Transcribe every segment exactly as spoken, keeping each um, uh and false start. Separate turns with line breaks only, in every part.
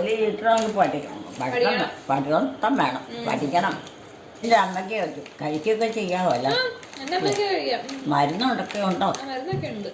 ജോലി കിട്ടണമെങ്കിൽ പഠിക്കണം പഠിക്കണം പഠിത്തം വേണം പഠിക്കണം. എൻ്റെ അമ്മയ്ക്ക് കഴിക്കുകയൊക്കെ ചെയ്യാമല്ല. മരുന്നൊക്കെ ഉണ്ടോ?
മരുന്നൊക്കെ ഉണ്ട്.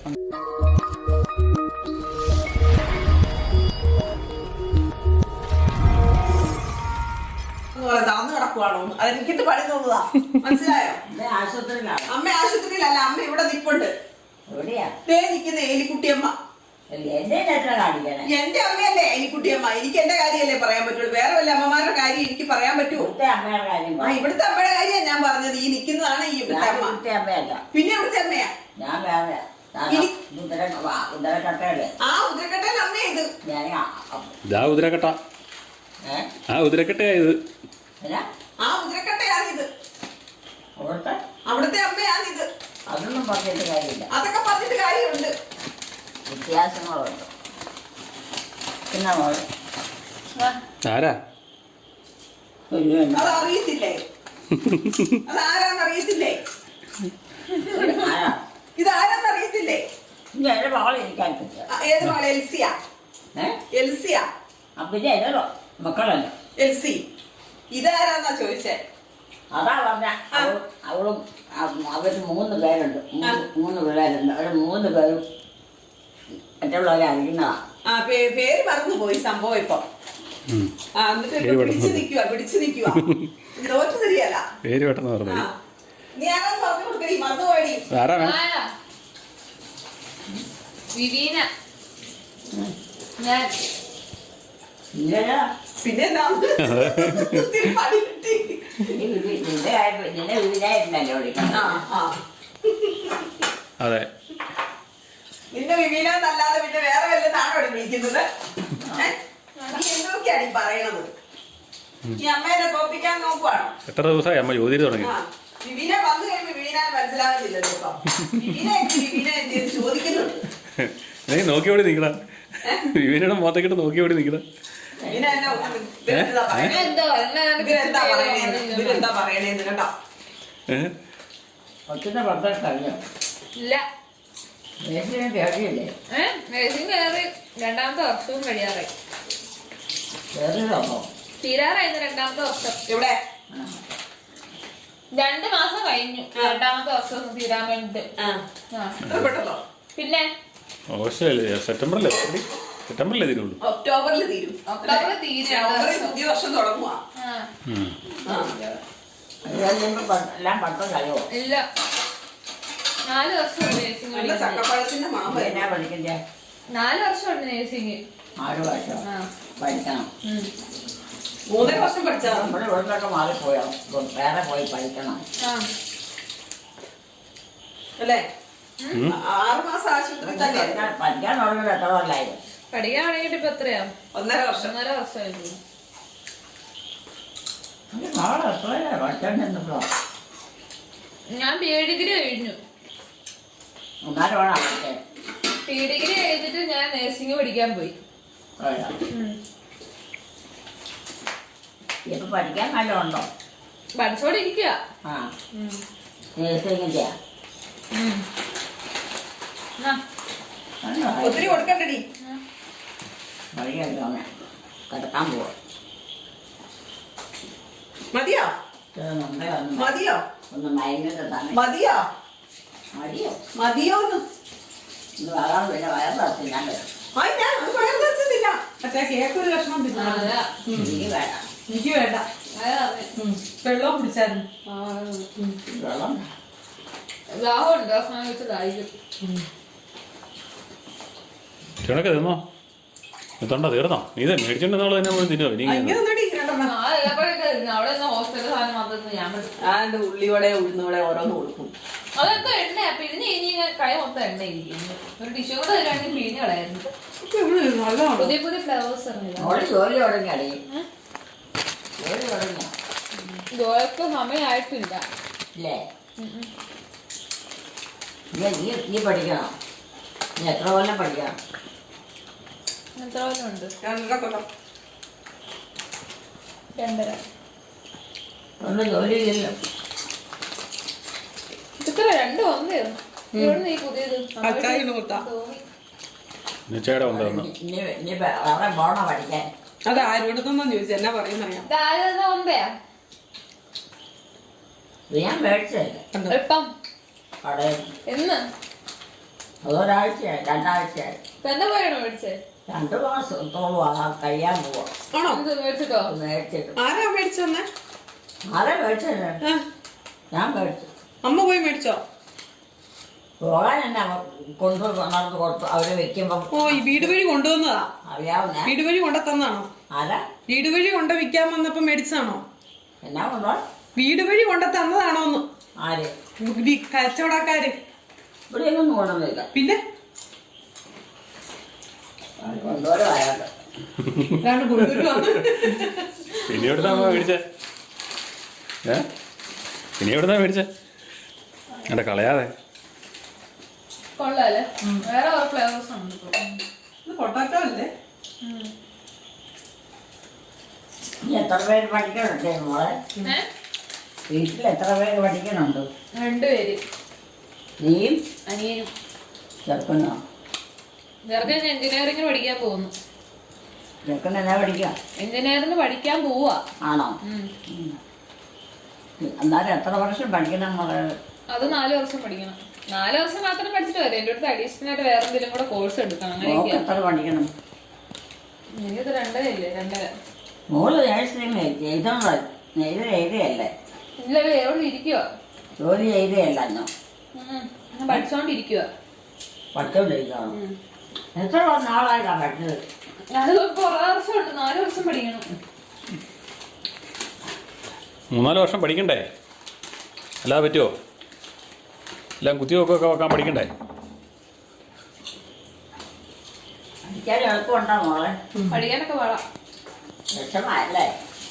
കിടക്കുവാണോ? അതെനിക്കിട്ട് പണി തോന്നുന്നതാ. മനസ്സിലായോ?
ആശുപത്രിയിലാണ്.
അമ്മ ആശുപത്രിയിലല്ല, അമ്മ ഇവിടെ നിപ്പുണ്ട്.
എവിടെയാ
ദേ നിൽക്കുന്ന എലിക്കുട്ടിയമ്മ.
എന്റെ കാണിക്കണേ.
എന്റെ അമ്മയല്ലേ എലിക്കുട്ടിയമ്മ. എനിക്ക് എന്റെ കാര്യമല്ലേ പറയാൻ പറ്റുള്ളൂ. വേറെ വല്ല അമ്മമാരുടെ കാര്യം എനിക്ക് പറയാൻ പറ്റുമോ?
അമ്മയുടെ കാര്യം
ആ ഇവിടുത്തെ അമ്മയുടെ കാര്യമാണ് ഞാൻ പറഞ്ഞത്. ഈ നിൽക്കുന്നതാണ് ഈ ഇവിടുത്തെ അമ്മ.
അമ്മയല്ല,
പിന്നെ ഇവിടുത്തെ അമ്മയാ.
ഞാൻ വേറെ ഉദരക്കട്ടയല്ലേ.
ആ ഉദരക്കട്ടൻ അമ്മയാ ഇത്.
ഞാൻ
ഉദരക്കട്ട ആ ഉദരക്കട്ടയായത്
ആ ഉദരക്കട്ടയാണിത്.
അവിടുത്തെ
അവിടുത്തെ അമ്മയാണിത്.
അതൊന്നും പറഞ്ഞിട്ട് കാര്യമില്ല.
അതൊക്കെ പറഞ്ഞിട്ട് കാര്യമുണ്ട്.
വ്യത്യാസങ്ങളുണ്ട്. പിന്നെ മോള്
ആരാ
അതറിയത്തില്ലേ? അതാരാന്നറിയത്തില്ലേ?
ആരാ
ഇതാരാന്നറിയത്തില്ലേ?
എന്റെ മകളെ എനിക്കറിയില്ല.
ഏത് മകളെ? എൽസിയ. എൽസിയ
പിന്നെ എന്റെ മക്കളല്ല
എൽസി. ഇതാരാന്നാ ചോദിച്ചേ?
അതാ പറഞ്ഞ അവളും അവര് മൂന്ന് പേരുണ്ട്. മൂന്ന് പിള്ളേരുണ്ട്. അവര് മൂന്ന് പേരും മറ്റുള്ളവരെ അറിയുന്നതാ.
ആ പേര് മറന്നു പോയി സംഭവം ഇപ്പൊ. ആ എന്നിട്ട് പിടിച്ചു നിക്കുക പിടിച്ചു നിക്കുക തോറ്റു തരികയല്ല.
പേര് പെട്ടെന്ന് പറഞ്ഞു.
നീ ആരാ പറഞ്ഞു കൊടുക്കണി? മറന്നു പോയി.
വിവീന. ഞാൻ
പിന്നെ എന്താ
നിന്നെ വിവിനായിരുന്നല്ലോ വിളിക്കണം.
അതെ
നിന്റെ വിവീനല്ലാതെ പിന്നെ വേറെ വല്ലതാണോ വിളിക്കുന്നത്? നീ എന്തൊക്കെയാണ് ഈ പറയണത്? ഈ അമ്മേനെ തോപ്പിക്കാൻ നോക്കുവാണോ?
എത്ര ദിവസമായി അമ്മ ജോലി തുടങ്ങി?
വിവീന വന്നു കഴിയുമ്പോ വിവീന മനസ്സിലാകുന്നില്ലല്ലോ. ഇപ്പൊ വിവീന എന്ത് വിവീന എന്ത് ചോദിക്കുന്നുണ്ട്.
നീ നോക്കിയോടി നിക്കണ വിവീനയുടെ മുഖത്തേക്കിട്ട് നോക്കിയോടി നിക്കണ.
ഇതിനെന്താ പറയണേന്ന് കേട്ടോ.
കൊച്ചിന്റെ ഭർത്താവ് കഴിഞ്ഞോ?
ഇല്ല,
കേറിയില്ലേ?
നഴ്സിംഗ് കയറി രണ്ടാമത്തെ വർഷവും കഴിയാറായി.
കേറിയതോ?
തീരാറായിരുന്നു രണ്ടാമത്തെ വർഷം.
ഇവിടെ
രണ്ട് മാസം കഴിഞ്ഞു രണ്ടാമത്തെ വർഷം തീരാൻ വേണ്ടിട്ട്. പിന്നെ
സെപ്റ്റംബറിലേ സെപ്റ്റംബറിലേ തീരുള്ളൂ.
ഒക്ടോബറിൽ തീരും.
ഒക്ടോബറിൽ തീരും.
പുതിയ വർഷം തുടങ്ങുവാ.
എല്ലാം പഠിത്തം കഴിയോ?
ഇല്ല, നാല് വർഷം നഴ്സിംഗ്.
ചക്കപ്പഴത്തിന്റെ മാമ
എന്നാ പഠിക്കണ്ടേ?
നാല് വർഷമുണ്ട് നഴ്സിംഗ്.
ആറ് വർഷം പഠിക്കണം.
മൂന്നര വർഷം പഠിച്ചാൽ
നമ്മുടെ ഇവിടുന്നൊക്കെ മാറിപ്പോയോ? വേറെ പോയി പഠിക്കണം
അല്ലേ? ആറ് മാസം ആശുപത്രി തന്നെ
പഠിക്കാൻ തുടങ്ങി. എത്ര കൊല്ലായിരുന്നു
പഠിക്കാൻ തുടങ്ങിയിട്ട് ഇപ്പൊ എത്രയാ?
ഒന്നര വർഷം.
ഒന്നര വർഷമായിരുന്നു.
നാളെ എത്രയാ പഠിക്കാൻ ചെന്നപ്പോ?
ഞാൻ പി ഡിഗ്രി കഴിഞ്ഞു.
ഒന്നാലും വേണം.
പി ഡിഗ്രി കഴിഞ്ഞിട്ട് ഞാൻ നഴ്സിംഗ് പഠിക്കാൻ പോയി.
ഇപ്പൊ പഠിക്കാൻ നല്ല ഉണ്ടോ?
പഠിച്ചോണ്ടിരിക്കുക.
ആ നഴ്സിംഗിന്റെ
ഒത്തിരി കൊടുക്കണ്ടടി.
വഴിയല്ലോ കിടക്കാൻ പോവാ.
മതിയോ? മതിയോ?
ഒന്ന് മയങ്ങിട്ട് തന്നെ
മതിയോ?
മതിയോ?
മതിയോന്ന്
ഇത് വരാൻ പിന്നെ വയർ തറച്ച് ഞാൻ വരും.
ഞാൻ അത് പറയാൻ തരച്ചില്ല. മറ്റേ കേക്ക് ഒരു കഷ്ണം
എനിക്ക് വേണം.
എനിക്ക് വേണ്ട. വെള്ളം കുടിച്ചായിരുന്നു.
വെള്ളം
ദാഹമുണ്ട്. അവസാനം വെച്ച് ദാഹിക്കും.
ചുണക്കെ തിന്നോ? തൊണ്ട തീർന്നോ? നീ ഇത് മേടിച്ചോണ്ടെന്നുള്ളത് തന്നെ പോയി തിന്നോ? ഇനി
അവിടെ ഹോസ്പിറ്റൽ സാധനം മാത്രം ഞാൻ
ആണ്ട് ഉള്ളിവടെ ഉഴുന്നവടെ ഓരോന്ന് കൊടുക്കും.
അതൊക്കെ എണ്ണയാ. പിഴിഞ്ഞ് കഴിഞ്ഞ് കൈ മൊത്തം എണ്ണ ഇരിക്കുന്നു. ഒരു ടിഷ്യൂ കൂടെ തരുവാണെങ്കിൽ പിഴിഞ്ഞ് കളയായിരുന്നു. പുതിയ പുതിയ ഫ്ലവേഴ്സ് ഇറങ്ങില്ല.
ജോലി തുടങ്ങിയാടി? ജോലി തുടങ്ങിയ
ജോലിക്ക് സമയമായിട്ടില്ല.
ഇല്ലേ? നീ നീ പഠിക്കണം. നീ എത്ര കൊല്ലം പഠിക്കണം?
എത്ര കൊല്ലം ഉണ്ട്? രണ്ടര.
ഒന്നും ജോലി ഇല്ലല്ലോ.
ഇത്ര രണ്ടും ഒന്നായിരുന്നു. ഇവിടെ നീ പുതിയത്
നിശ്ചയുടെ കൊണ്ടുവന്നു.
ഇനി അവിടെ പോണോ പഠിക്കാൻ?
അത് ആരോടൊന്നും ചോദിച്ചു എന്നാ പറയുന്നറിയാം.
ഇതാരതാ ഒമ്പയാ
ഇത് ഞാൻ മേടിച്ചതല്ലേ
എപ്പം
കടയിൽ.
എന്ന്
അതൊരാഴ്ചയായി രണ്ടാഴ്ചയായി
തന്നെ പോയാണോ മേടിച്ചേ?
രണ്ടു മാസത്തോളം ആ കഴിയാൻ പോവാ.
ആണോ?
എന്ത് മേടിച്ചിട്ടോ?
മേടിച്ചിട്ട്
ആരാ മേടിച്ചെന്നെ?
ആരെ മേടിച്ചല്ലേ?
ആ,
ഞാൻ മേടിച്ചു.
അമ്മ പോയി മേടിച്ചോ?
പോകാൻ എന്നാ കൊണ്ടു നടന്ന് കൊടുത്തു അവര് വെക്കുമ്പോ.
ഓ, ഈ വീട് വഴി കൊണ്ടുവന്നതാ?
അറിയാവുന്ന
വീട് വഴി കൊണ്ട തന്നാണോ?
ആരാ
വീട് വഴി കൊണ്ട വിൽക്കാൻ വന്നപ്പോ മേടിച്ചതാണോ?
എന്നാ കൊണ്ടോ?
വീട് വഴി കൊണ്ട തന്നതാണോന്ന്?
ആര്?
വി- കച്ചവടക്കാര്.
ഇവിടെയൊന്നും കൊണ്ടുവന്നില്ല.
പിന്നെ
കൊണ്ടുവരും അയാൾക്ക്.
രണ്ട് കൊണ്ടുവരുവാണ്.
പിന്നെ എവിടുന്നാ അമ്മ മേടിച്ചേ? ഏ പിന്നെ എവിടുന്നാ മേടിച്ചേ? എന്റെ കളയാതെ.
കൊള്ളാല്ലേ? വേറെ കുറെ ഫ്ലേവേഴ്സ് ഉണ്ട് ഇപ്പൊ.
ഇത് പൊട്ടാറ്റോ അല്ലേ?
ഉം.
ഇനി എത്ര പേര് പഠിക്കണുണ്ട് മോളെ?
ഏ?
വീട്ടിൽ എത്ര പേര് പഠിക്കണുണ്ട്?
രണ്ടുപേര്.
നീയും
അനിയനും.
ചെറുക്കനോ?
ചെറുക്കൻ എഞ്ചിനീയറിംഗിന് പഠിക്കാൻ പോകുന്നു.
ചെറുക്കൻ എന്നാ പഠിക്കാം?
എഞ്ചിനീയറിംഗിന് പഠിക്കാൻ പോവാ.
ആണോ?
ഉം.
എന്നാലും എത്ര വർഷം പഠിക്കണം മോളെ?
അത് നാല് വർഷം പഠിക്കണം. നാല് വർഷം മാത്രം പഠിച്ചിട്ട് വരും. എന്റെ അടുത്ത് അഡീഷണൽ ആയിട്ട് വേറെ എന്തെങ്കിലും കൂടെ കോഴ്സ് എടുക്കണം.
മോൾക്ക്
അങ്ങനെയൊക്കെയാ.
എത്ര പഠിക്കണം?
എനിക്കത് രണ്ടര ഇല്ലേ? രണ്ടര.
മോള് നേഴ്സിംഗ് എഴുതണ എഴുത എഴുതിയല്ലേ?
ഇല്ല, എവിടെ ഇരിക്കുക.
ജോലി എഴുതിയല്ലോ.
ഞാൻ പഠിച്ചോണ്ടിരിക്കുക.
പഠിച്ചോണ്ടിരിക്കണം. എത്ര നാളായിട്ടാ പഠിച്ചത്?
അത് കുറെ വർഷമുണ്ട്. നാല് വർഷം പഠിക്കണം.
മൂന്നാല് വർഷം പഠിക്കണ്ടേ? അല്ലാതെ പറ്റുമോ? എല്ലാം കുത്തിവെക്കൊക്കെ വെക്കാൻ പഠിക്കണ്ടേ?
പഠിക്കാൻ എളുപ്പമുണ്ടോ മോളെ?
പഠിക്കാനൊക്കെ പാടാം.
വിഷമല്ലേ?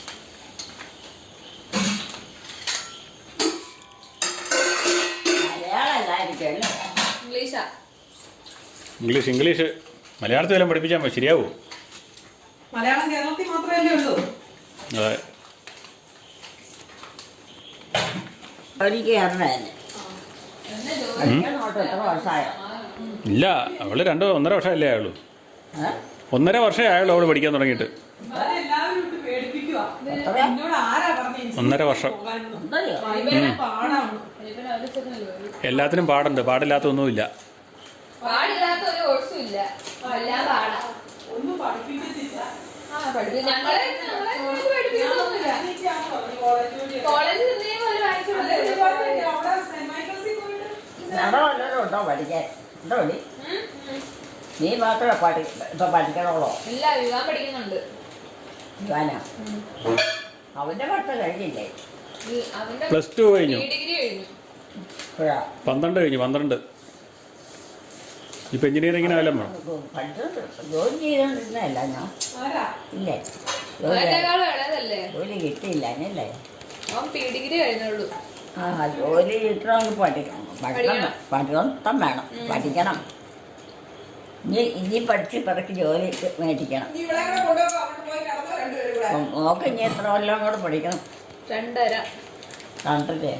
മലയാളമല്ലായിരിക്കും അല്ലേ?
ഇംഗ്ലീഷാ.
ഇംഗ്ലീഷ് ഇംഗ്ലീഷ് മലയാളത്തിൽ വല്ലതും പഠിപ്പിച്ചാൽ മതി, ശരിയാവോ?
മലയാളം കേരളത്തിൽ മാത്രമല്ലേ ഉള്ളൂ.
അതെ.
ജോലിക്ക് കയറണ തന്നെ. പഠിക്കാൻ നോട്ട് എത്ര വർഷമായോ?
ഇല്ല, അവള് രണ്ട് ഒന്നര വർഷമല്ലേ ആയുള്ളൂ.
ഏ?
ഒന്നര വർഷമേ ആയുള്ളൂ അവള് പഠിക്കാൻ തുടങ്ങിയിട്ട്.
ഇവരെ എല്ലാവരും ഇട്ട് പേടിപ്പിക്കുവാ.
എത്ര?
എന്നോട് ആരാ പറഞ്ഞത്
ഒന്നര വർഷം.
പോകാനെന്ന്?
ഉണ്ടല്ലോ.
ഭയങ്കര പാടാണ്.
എല്ലാത്തിനും പാടുണ്ട്, പാടില്ലാത്തൊന്നുമില്ല.
പാടില്ലാത്ത ഒരു കോഴ്സും ഇല്ല. എല്ലാം പാടാ.
ഒന്നും പഠിപ്പിക്കത്തില്ല.
ആ, പഠിപ്പി- ഞങ്ങളെ ഞങ്ങളെ ഇങ്ങോട്ട് പഠിപ്പിക്കുന്നൊന്നുമില്ല.
എനിക്കാണ് പറഞ്ഞു കോളേജ് ജോലി.
കോളേജിൽ എന്തെങ്കിലും ഒരു വായിച്ചു
അല്ലേ, ഇതുപോലെ അവിടെ സെന്റ് മൈക്കിൾസിൽ പോയിട്ട്
വേറെ വല്ലതും ഉണ്ടോ പഠിക്കാൻ? ഉണ്ടോ നീ? നീ മാത്രമേ പഠി ഇപ്പൊ പഠിക്കണുള്ളോ?
ഇല്ല, വിവാഹം പഠിക്കുന്നുണ്ട്.
ഇവാനാ അവന്റെ പഠിത്തം കഴിഞ്ഞില്ലേ?
ഈ- അവന്റെ
പ്ലസ് ടു കഴിഞ്ഞു,
ഡിഗ്രി കഴിഞ്ഞു.
ഇപ്പോഴാ
പന്ത്രണ്ട് കഴിഞ്ഞു, പന്ത്രണ്ട്. ഇപ്പം എഞ്ചിനീയറിങ്ങിന് വല്ലതും വേണം.
പഠിച്ചത് ജോലി ചെയ്തോണ്ടിരുന്നല്ല ഞാൻ.
ആരാ?
ഇല്ലേ? ജോലി
അവനേക്കാളും ഇളയതല്ലേ?
ജോലി കിട്ടിയില്ല എന്നല്ലേ?
അവൻ പി ഡിഗ്രി കഴിഞ്ഞുള്ളൂ.
ആ ജോലി കിട്ടണമെങ്കിൽ പഠിക്കണം. പഠിക്കണം പഠിത്തം വേണം. പഠിക്കണം. ഇനി ഇനി പഠിച്ച് പിറക്കി ജോലി മേടിക്കണം.
നീ ഇവിടെ കൂടെ കൊണ്ടുപോകാം. അവിടെ പോയി കിടന്നോ രണ്ടുപേരും കൂടെ.
അപ്പം മോക്ക് ഇനി എത്ര കൊല്ലം കൂടെ പഠിക്കണം?
രണ്ടര.
കണ്ടില്ലേ?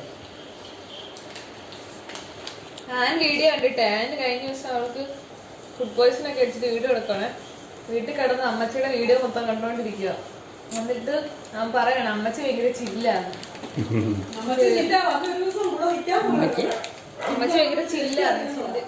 ഞാൻ വീഡിയോ കണ്ടിട്ടേ, ഞാൻ കഴിഞ്ഞ ദിവസം അവൾക്ക് ഫുഡ് പോയ്സൺ ഒക്കെ അടിച്ചിട്ട് വീഡിയോ എടുക്കണേ. വീട്ടിൽ കിടന്ന് അമ്മച്ചിയുടെ വീഡിയോ മൊത്തം കണ്ടോണ്ടിരിക്കുക. എന്നിട്ട് ഞാൻ പറയണം അമ്മച്ചി ഭയങ്കര ചില്ലാണ്.
നമുക്ക് ചിറ്റ വന്ന് ഒരു ദിവസം കൂടെ നിൽക്കാൻ പോലും.
അമ്മച്ചി
അമ്മച്ചി ഭയങ്കര ചില്ലാണ്. ചില്ല്.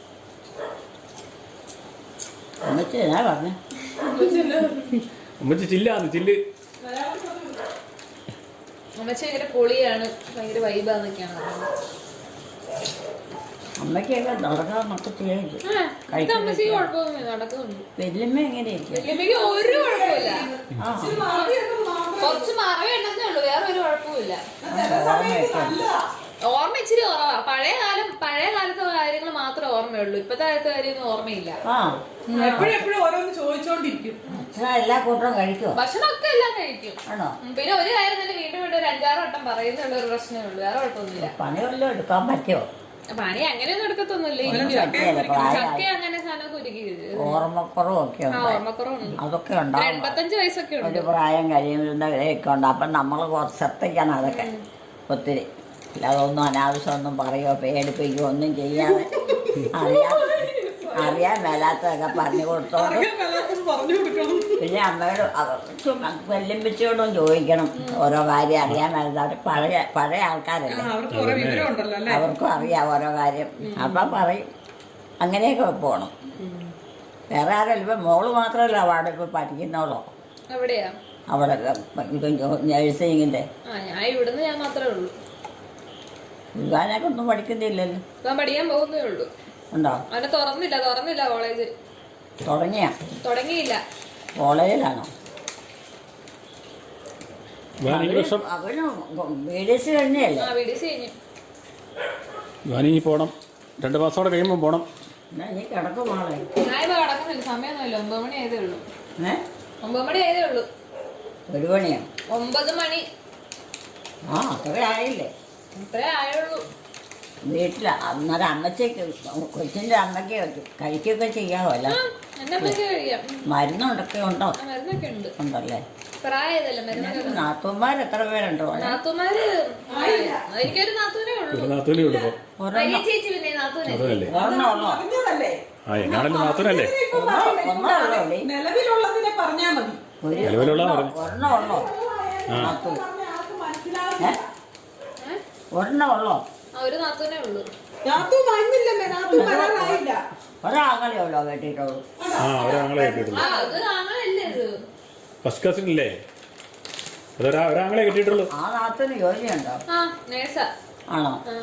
അമ്മച്ചി എന്നാ പറഞ്ഞേ?
അമ്മച്ചി ചില്ലാന്ന് ചില്ല്.
മലയാളത്തിൽ പറഞ്ഞു.
അമ്മച്ചി ഭയങ്കര പൊളിയാണ്, ഭയങ്കര വൈബാന്നൊക്കെയാണ് പറയുന്നത്.
അമ്മയ്ക്കൊക്കെ നടക്കാന്നൊക്കെ ചെയ്യാൻ
ആ, ഇത് അമ്മച്ചിക്ക് കുഴപ്പമൊന്നുമില്ല, നടക്കുന്നുണ്ട്.
വല്യമ്മ എങ്ങനെയായിരിക്കും?
വല്യമ്മയ്ക്ക് ഒരു കുഴപ്പമില്ല.
ആ
ഇച്ചിരി മറവിയൊക്കെ മാറും.
കുറച്ച് മറവി ഉണ്ടെന്നേ ഉള്ളൂ, വേറെ ഒരു കുഴപ്പമില്ല.
ചില സമയത്ത് നല്ലതാ.
ഓർമ്മ ഇച്ചിരി കുറവാ. പഴയ കാലം പഴയ കാലത്തെ കാര്യങ്ങൾ മാത്രമേ ഓർമ്മയുള്ളൂ. ഇപ്പത്തെ കാലത്തെ കാര്യമൊന്നും ഓർമ്മയില്ല.
ആ
എപ്പോഴും എപ്പോഴും ഓരോന്ന് ചോദിച്ചോണ്ടിരിക്കും.
അച്ഛൻ എല്ലാ കൂട്ടവും കഴിക്കുമോ?
ഭക്ഷണമൊക്കെ എല്ലാം കഴിക്കും.
ആണോ?
ഉം, പിന്നെ ഒരു കാര്യം തന്നെ വീണ്ടും വീണ്ടും ഒരു അഞ്ചാറ് വട്ടം പറയുന്നുള്ള ഒരു പ്രശ്നമേ ഉള്ളൂ, വേറെ കുഴപ്പമൊന്നുമില്ല.
പണി വല്ലതും എടുക്കാൻ പറ്റുമോ?
പണി അങ്ങനെയൊന്നും എടുക്കത്തൊന്നുമില്ല.
ഒന്നും
ഇരിക്കും.
പറ്റിയല്ല.
ചക്ക
പ്രായമായി
അങ്ങനെ സാധനമൊക്കെ ഒരുക്കി
ഓർമ്മക്കുറവൊക്കെ
ആ
ഉണ്ട്.
ഓർമ്മക്കുറവുണ്ട്.
അതൊക്കെ
ഒരു
ഉണ്ടാവും.
എൺപത്തഞ്ച് വയസ്സൊക്കെ ഉണ്ട്.
ഒരു പ്രായം കഴിയുന്നവരെയൊക്കെ ഉണ്ട്. അപ്പം നമ്മൾ കുറച്ച് ശ്രദ്ധിക്കണം അതൊക്കെ ഒത്തിരി. അല്ലാതെ ഒന്നും അനാവശ്യമൊന്നും പറയുകയോ പേടിപ്പിക്കുകയോ ഒന്നും ചെയ്യാതെ അറിയാം അറിയാൻ മേലാത്തതൊക്കെ പറഞ്ഞു കൊടുത്തോണ്ട്
അറിയാൻ മേലാത്തത് പറഞ്ഞു കൊടുക്കണം.
പിന്നെ അമ്മയോട് അവർക്ക് വെല്ലുമ്പിച്ചോടും ചോദിക്കണം ഓരോ കാര്യം അറിയാൻ മേലാത്ത പഴയ പഴയ
ആ,
ആൾക്കാരല്ലേ,
അവർക്ക് കുറെ വിവരം ഉണ്ടല്ലോ അല്ലേ?
അവർക്കും അറിയാം ഓരോ കാര്യം. അപ്പം പറയും അങ്ങനെയൊക്കെ പോകണം. വേറെ ആരല്ല ഇപ്പം മോള് മാത്രമല്ല അവിടെ ഇപ്പം പഠിക്കുന്നോളോ
എവിടെയാ?
അവിടെ നഴ്സിങ്ങിൻ്റെ.
ആ ഞാൻ ഇവിടുന്ന് ഞാൻ മാത്രമേ ഉള്ളൂ.
വിവാനൊക്കെ ഒന്നും പഠിക്കുന്നില്ലല്ലോ.
ഞാൻ പഠിക്കാൻ പോകുന്നേ ഉള്ളൂ.
ഉണ്ടോ?
അവനെ തുറന്നില്ല തുറന്നില്ല കോളേജ്
തുടങ്ങിയ
തുടങ്ങിയില്ല.
കോളേജിലാണോ?
ഈ വർഷം
അവന് ബി ഡി എസ് കഴിഞ്ഞല്ലേ?
ആ ബി ഡി സി കഴിഞ്ഞു.
ഞാനിനി പോകണം, രണ്ട് മാസത്തോടെ കഴിയുമ്പോൾ പോകണം.
എന്നാ നീ കിടക്കും മോളെ.
ഞാനിപ്പോ കിടക്കുന്നില്ല, സമയമൊന്നുമില്ല. ഒമ്പത് മണി ആയതേ ഉള്ളൂ.
ഏ
ഒമ്പത് മണി ആയതേ ഉള്ളൂ.
ഒരു മണിയോ?
ഒമ്പത് മണി
ആ അത്ര ആയില്ലേ?
ഇത്രേ ആയുള്ളൂ.
വീട്ടിൽ അന്നേരം അമ്മച്ചേക്ക് കൊച്ചിൻ്റെ അമ്മയ്ക്ക് കഴിക്കുകയൊക്കെ ചെയ്യാമല്ല.
എന്നെ അമ്മയ്ക്ക് കഴിയാം.
മരുന്നൊക്കെ ഉണ്ടോ?
ആ, മരുന്നൊക്കെ ഉണ്ട്.
ഉണ്ടല്ലേ?
പ്രായതല്ല മരുന്നൊക്കെ.
നാത്തൂന്മാർ എത്ര പേരുണ്ടോ?
നാത്തൂമാര് എനിക്കൊരു നാത്തൂനേ ഉള്ളൂ.
ഒരു നാത്തൂനേ ഉള്ളൂ ഇപ്പോൾ.
വലിയ ചേച്ചി പിന്നെ നാത്തൂനെ.
അതല്ലേ?
ഒരെണ്ണം ഉള്ളോ?
പറഞ്ഞതല്ലേ?
ആ എങ്ങാണല്ലോ നാത്തൂനല്ലേ?
ഇപ്പൊ
ഒന്നോ ഒന്നോ ഉള്ളോ?
പറയല്ലേ? നിലവിലുള്ളതിനെ പറഞ്ഞാ മതി.
ഒരു
നിലവിലുള്ള പറഞ്ഞു.
ഒരെണ്ണം ഉള്ളോ? നാത്തൂൻ
പറഞ്ഞ ആൾക്ക് മനസ്സിലാവും.
ഏ ഒരെണ്ണം ഉള്ളോ?
ആ ഒരു നാത്തൂനേ ഉള്ളൂ.
നാത്തു വന്നില്ലമ്മേ, നാത്തു വരാനായില്ല.
ഒരാങ്ങളെ ഉള്ളോ കേട്ടിട്ടുള്ളൂ?
ആ ഒരാങ്ങളെ കെട്ടിയിട്ടുള്ളൂ.
ആ അത് ആങ്ങളല്ലേ ഇത്.
ഫസ്റ്റ് കസിൻ ഇല്ലേ? അതൊരാ ഒരാങ്ങളെ കെട്ടിയിട്ടുള്ളൂ.
ആ നാത്തൂന് ജോലിയുണ്ടോ?
ആ നേഴ്സാ.
ആണോ?
ആ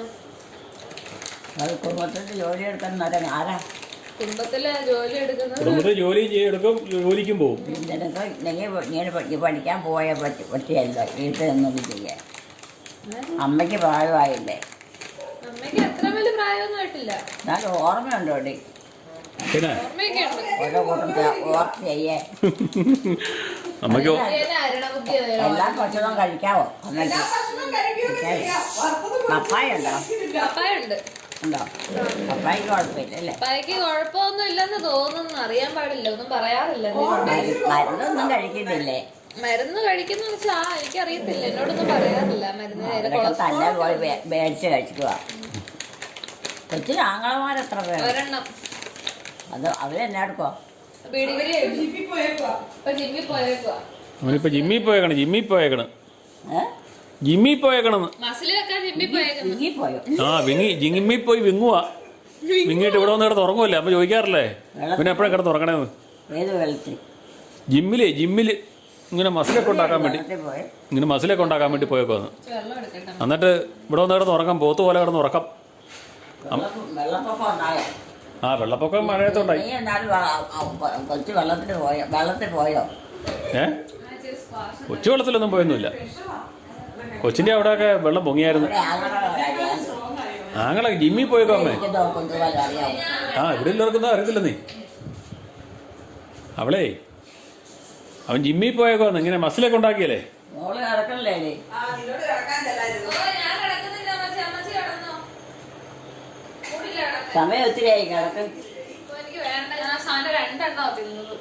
അത് കുടുംബത്തിൽ ജോലി എടുക്കുന്ന ആരാ?
കുടുംബത്തിലെ ജോലി എടുക്കുന്നത്
കുടുംബത്തിൽ ജോലി ചെയ്യെടുക്കും, ജോലിക്കും പോകും.
നിനക്ക് ഇങ്ങനെ ഇങ്ങനെ പഠി- പഠിക്കാൻ പോയാൽ പറ്റി പറ്റിയല്ലോ വീട്ടിൽ നിന്നൊന്നും ചെയ്യാൻ. അമ്മയ്ക്ക് പ്രായമായില്ലേ?
അമ്മയ്ക്ക് അത്ര വലിയ പ്രായമൊന്നും ആയിട്ടില്ല.
എന്നാലും ഓർമ്മയുണ്ടോ ഡി?
പിന്നെ
ഓർമ്മയൊക്കെ ഉണ്ട്.
ഓരോ കൂട്ടത്തെ ഓർമ്മ ചെയ്യേ.
അമ്മയ്ക്കോ
ഇതേനെ അരണബുദ്ധി വേണം.
എല്ലാ ഭക്ഷണവും കഴിക്കാവോ അമ്മയ്ക്ക്?
ഭക്ഷണം കഴിക്കുകയൊക്കെ ചെയ്യാം. വറുത്തത്
പപ്പായ ഉണ്ടോ?
പപ്പായുണ്ട്.
ഉണ്ടോ? പപ്പായ്ക്ക് കുഴപ്പമില്ല അല്ലേ?
പപ്പായ്ക്ക് കുഴപ്പമൊന്നും ഇല്ലെന്ന് തോന്നുന്നു. അറിയാൻ പാടില്ല, ഒന്നും പറയാറില്ല.
മരു- മരുന്നൊന്നും കഴിക്കുന്നില്ലേ?
മരുന്ന് കഴിക്കുന്ന വെച്ചാ എനിക്കറിയത്തില്ല, എന്നോടൊന്നും പറയാറില്ല. മരുന്ന് നേരെ
അതൊക്കെ തന്നെ
കൊളസ്ട്രോൾ
പോയി മേ- മേടിച്ച് കഴിക്കുക. കൊച്ചിന് ആങ്ങളമാരെത്ര പേര്?
ഒരെണ്ണം
അത് അവരെന്നെ എടുക്കോ?
ബീഡിഗിരി
ജിപ്പി പോയേക്കുവാ.
ഇപ്പൊ ജിമ്മിൽ പോയേക്കുവാ.
അവനിപ്പോ ജിമ്മിൽ പോയേക്കണം, ജിമ്മിൽ പോയേക്കണം,
ഏഹ്
ജിമ്മിൽ പോയേക്കണെന്ന്.
മസിൽ വെക്കാൻ ജിമ്മിൽ പോയേക്കുന്നു.
ഇങ്ങി പോയോ?
ആ വിങ്ങി ജിമ്മിൽ പോയി വിങ്ങുവാ. വിങ്ങിയിട്ട് ഇവിടെ വന്ന് കിടന്ന് ഉറങ്ങുമല്ലേ? അപ്പൊ ചോദിക്കാറില്ലേ പിന്നെ എപ്പോഴാണ് കിടന്ന് ഉറങ്ങണേന്ന്?
ഏത് വെള്ളത്തിൽ?
ജിമ്മിലേ ജിമ്മില് ഇങ്ങനെ മസിലൊക്കെ ഉണ്ടാക്കാൻ വേണ്ടി,
വെള്ളത്തിൽ പോയി
ഇങ്ങനെ മസിലൊക്കെ ഉണ്ടാക്കാൻ വേണ്ടി പോയേക്കോന്ന്.
വെള്ളം എടുക്കട്ടെ.
എന്നിട്ട് ഇവിടെ വന്ന് കിടന്ന് ഉറക്കം, പോത്ത് പോലെ കിടന്ന് ഉറക്കം.
വെള്ളം വെള്ളപ്പൊക്കം ഉണ്ടായോ?
ആ വെള്ളപ്പൊക്കം മഴയത്തുണ്ടായി.
നീ എന്നാലും വ- ആ, കൊ- കൊച്ചു വെള്ളത്തിൽ പോയോ? വെള്ളത്തിൽ പോയോ?
ഏ കൊച്ചു വെള്ളത്തിലൊന്നും പോയൊന്നുമില്ല. കൊച്ചിൻ്റെ അവിടെയൊക്കെ വെള്ളം പൊങ്ങിയായിരുന്നു.
ഇവിടെ ആങ്ങളുടെ കാര്യം
ആങ്ങളെ ജിമ്മിൽ പോയേക്കോ അമ്മേ.
എനിക്ക് കൊണ്ടുപോകാൻ അറിയാമോ?
ആ ഇവിടെ എല്ലാവർക്കൊന്നും അറിയത്തില്ല നീ. അവളേ അവൻ ജിമ്മിൽ പോയേക്കോന്ന്, ഇങ്ങനെ മസിലൊക്കെ ഉണ്ടാക്കിയല്ലേ.
മോള് കിടക്കണില്ലേ നീ?
ആ, നിന്നോട് കിടക്കാൻ ചെല്ലായിരുന്നു.
ഓ, ഞാൻ കിടക്കുന്നില്ല അമ്മച്ചി. അമ്മച്ചി കിടന്നോ? കൂടില്ല കിടക്കാൻ.
സമയം ഒത്തിരി ആയി കിടക്കും.
ഇപ്പൊ എനിക്ക് വേണ്ട. ഞാൻ ആ സാധനം രണ്ടെണ്ണോ തിന്നത്.